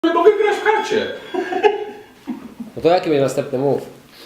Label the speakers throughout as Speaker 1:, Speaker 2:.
Speaker 1: Nie mogę grać w karcie.
Speaker 2: No to jaki będzie następny move?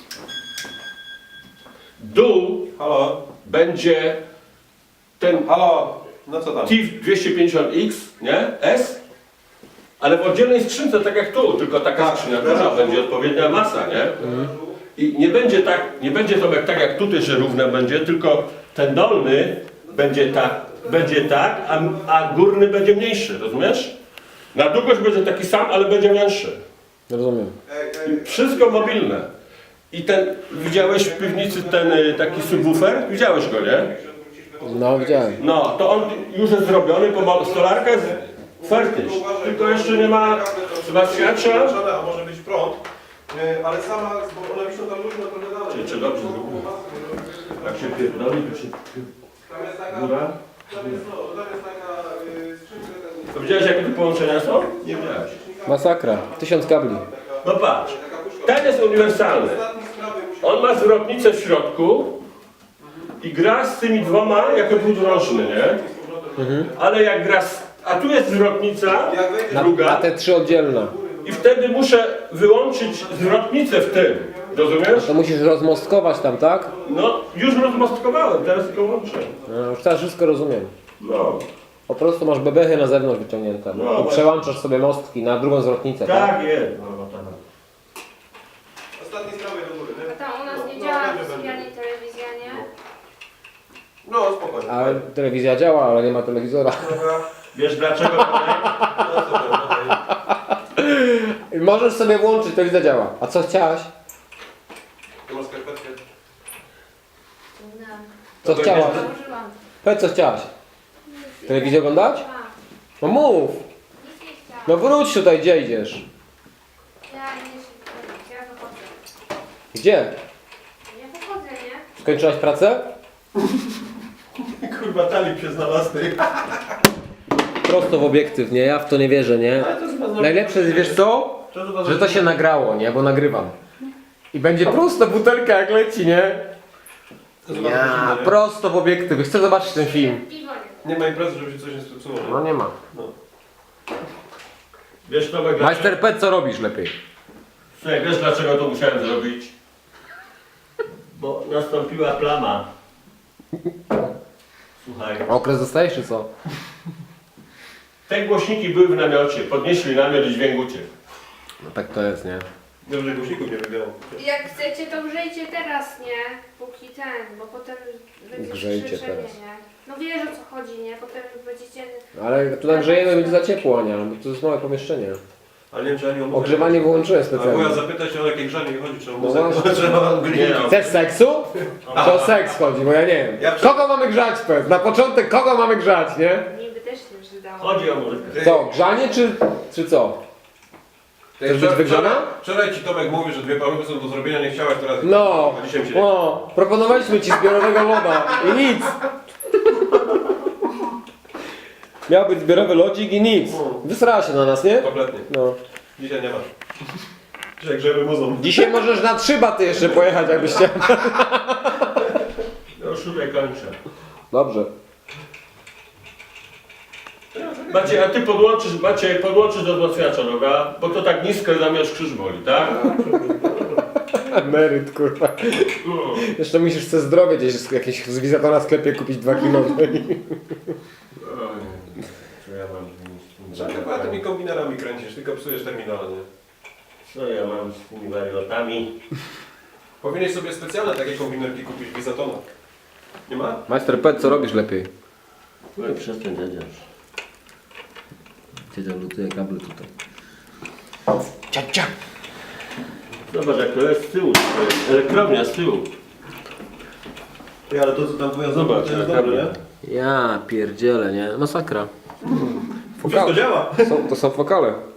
Speaker 1: Dół
Speaker 3: Halo?
Speaker 1: będzie ten
Speaker 3: Halo? No co tam?
Speaker 1: TIF 250X, nie? S, ale w oddzielnej skrzynce, tak jak tu, tylko taka
Speaker 3: Tak,
Speaker 1: skrzynia
Speaker 3: tak.
Speaker 1: duża, będzie odpowiednia masa, nie? I nie będzie tak, nie będzie to tak jak tutaj, że równe będzie, tylko ten dolny będzie tak, a górny będzie mniejszy, rozumiesz? Na długość będzie taki sam, ale będzie większy.
Speaker 2: Rozumiem.
Speaker 1: I wszystko mobilne. I ten, widziałeś w piwnicy ten taki subwoofer? Widziałeś go, nie?
Speaker 2: No widziałem.
Speaker 1: No, to on już jest zrobiony, bo stolarka jest fertyż. Tylko jeszcze nie ma wzmacniacza.
Speaker 3: A może być prąd, ale sama, bo one wiszą tam luźno trochę dalej.
Speaker 1: Czy dobrze zrobiłem? Jak się pierdoli, to się
Speaker 3: Tam jest taka,
Speaker 1: góra.
Speaker 3: tam jest taka skrzynka.
Speaker 1: To widziałeś jakie tu połączenia są? Nie widziałeś.
Speaker 2: Masakra. 1000 kabli.
Speaker 1: No patrz, ten jest uniwersalny. On ma zwrotnicę w środku i gra z tymi dwoma jako półdrożny, nie? Ale jak gra a tu jest zwrotnica,
Speaker 2: A
Speaker 1: druga,
Speaker 2: te 3 oddzielne.
Speaker 1: i wtedy muszę wyłączyć zwrotnicę w tym. Rozumiesz?
Speaker 2: To musisz rozmostkować tam, tak?
Speaker 1: No, już rozmostkowałem, teraz tylko łączę.
Speaker 2: No, już teraz wszystko rozumiem.
Speaker 1: No,
Speaker 2: Po prostu masz bebechy na zewnątrz wyciągnięte.
Speaker 1: No,
Speaker 2: I przełączasz sobie mostki na drugą zwrotnicę, tak?
Speaker 1: tak jest. No, tak.
Speaker 3: Ostatni z prawej do góry,
Speaker 4: A
Speaker 3: nie?
Speaker 4: tam u nas nie
Speaker 3: No,
Speaker 4: działa
Speaker 3: będzie,
Speaker 4: sypialni telewizja, nie?
Speaker 3: No, spokojnie.
Speaker 2: Ale telewizja działa, ale nie ma telewizora.
Speaker 3: Dobra.
Speaker 1: Wiesz dlaczego? Tomek?
Speaker 3: No super, okej.
Speaker 2: I możesz sobie włączyć, telewizja działa. A co chciałaś?
Speaker 3: Tu masz skarpetkę.
Speaker 4: No.
Speaker 2: Co chciałaś?
Speaker 4: Założyłam.
Speaker 2: Powiedz, co chciałaś? Telewizję oglądać?
Speaker 4: A,
Speaker 2: No mów.
Speaker 4: nic nie chciałam.
Speaker 2: No wróć tutaj, gdzie idziesz?
Speaker 4: Ja nie się, ja wychodzę.
Speaker 2: Gdzie?
Speaker 4: Ja wychodzę, nie?
Speaker 2: Skończyłaś pracę?
Speaker 3: Kurwa, talib się znalazł, ty.
Speaker 2: Prosto w obiektyw, nie? Ja w to nie wierzę, nie? Najlepsze jest, wiesz co? Że to się nagrało, nie? Bo nagrywam. I będzie prosto butelka jak leci, nie? Ja, prosto w obiektyw. Chcę zobaczyć ten film.
Speaker 4: Piwo nie.
Speaker 3: Nie ma imprezy, żeby się coś nie zepsuło.
Speaker 2: No nie ma.
Speaker 1: Wiesz Tomek,
Speaker 2: Majster Pet, co robisz lepiej?
Speaker 1: Słuchaj, wiesz dlaczego to musiałem zrobić? Bo nastąpiła plama. Słuchaj.
Speaker 2: Okres dostajesz, czy co?
Speaker 1: Te głośniki były w namiocie, podnieśli namiot i dźwięk uciekł.
Speaker 2: No tak to jest, nie?
Speaker 3: Dobrze, że głośników nie wybiorą.
Speaker 4: Jak chcecie, to grzejcie teraz, nie? Póki ten, bo potem będzie
Speaker 2: Grzejcie
Speaker 4: krzyczenie,
Speaker 2: teraz.
Speaker 4: nie? No wiesz o co chodzi, nie? Potem będziecie...
Speaker 2: Ale tu nagrzejemy, będzie za ciepło, Ania, bo to jest małe pomieszczenie.
Speaker 3: Ale nie wiem, czy ja nie
Speaker 2: Ogrzewanie wyłączyłem
Speaker 3: A wuja
Speaker 2: specjalnie.
Speaker 3: zapytać się o jakie grzanie nie chodzi, czy o
Speaker 2: No
Speaker 3: muzykę,
Speaker 2: właśnie.
Speaker 3: trzeba
Speaker 1: Nie no.
Speaker 2: Chcesz seksu? To o seks chodzi, bo ja nie wiem.
Speaker 3: Ja-
Speaker 2: Kogo mamy grzać, Pet? Na początek kogo mamy grzać, nie?
Speaker 4: Niby też się przydało.
Speaker 1: Chodzi o muzykę.
Speaker 2: Co, grzanie czy co? Chcesz być wygrzana?
Speaker 3: Wczoraj ci Tomek mówi, że 2 paluchy są do zrobienia, nie chciałeś teraz.
Speaker 2: No,
Speaker 3: A dzisiaj mi się
Speaker 2: no, proponowaliśmy ci zbiorowego loda i nic. Miał być zbiorowy lodzik i nic. Wysrała się na nas, nie?
Speaker 3: Kompletnie.
Speaker 2: No.
Speaker 3: Dzisiaj nie masz. Dzisiaj grzemy muzą.
Speaker 2: Dzisiaj możesz na 3 baty jeszcze pojechać, jakbyś chciał.
Speaker 1: No już tutaj kończę.
Speaker 2: Dobrze.
Speaker 1: Maciej, a ty podłączysz do wzmacniacza, dobra? Bo to tak nisko zamiast krzyż boli, tak?
Speaker 2: Emeryt, kurwa.
Speaker 1: No.
Speaker 2: Jeszcze musisz sobie zdrowie gdzieś jakieś z Wizato na sklepie kupić 2 kilo.
Speaker 1: Co ja mam z
Speaker 3: Że chyba tymi kombinerami kręcisz, tylko psujesz terminale, nie?
Speaker 1: Co ja mam z tymi wariotami?
Speaker 3: Powinieneś sobie specjalne takie kombinerki kupić w Izatona. Nie ma?
Speaker 2: Majster Pet, co robisz lepiej?
Speaker 1: No i przestań dziadziarz.
Speaker 2: Siedział, lutuje kable tutaj.
Speaker 1: Zobacz jak to jest z tyłu, to jest elektrownia z tyłu.
Speaker 3: Ty, ale to co tam wuja
Speaker 1: Zobacz,
Speaker 3: to jest
Speaker 1: jaka
Speaker 3: dobre, nie?
Speaker 2: Ja pierdzielę, nie? Masakra.
Speaker 3: Wszystko działa.
Speaker 2: To są fokale.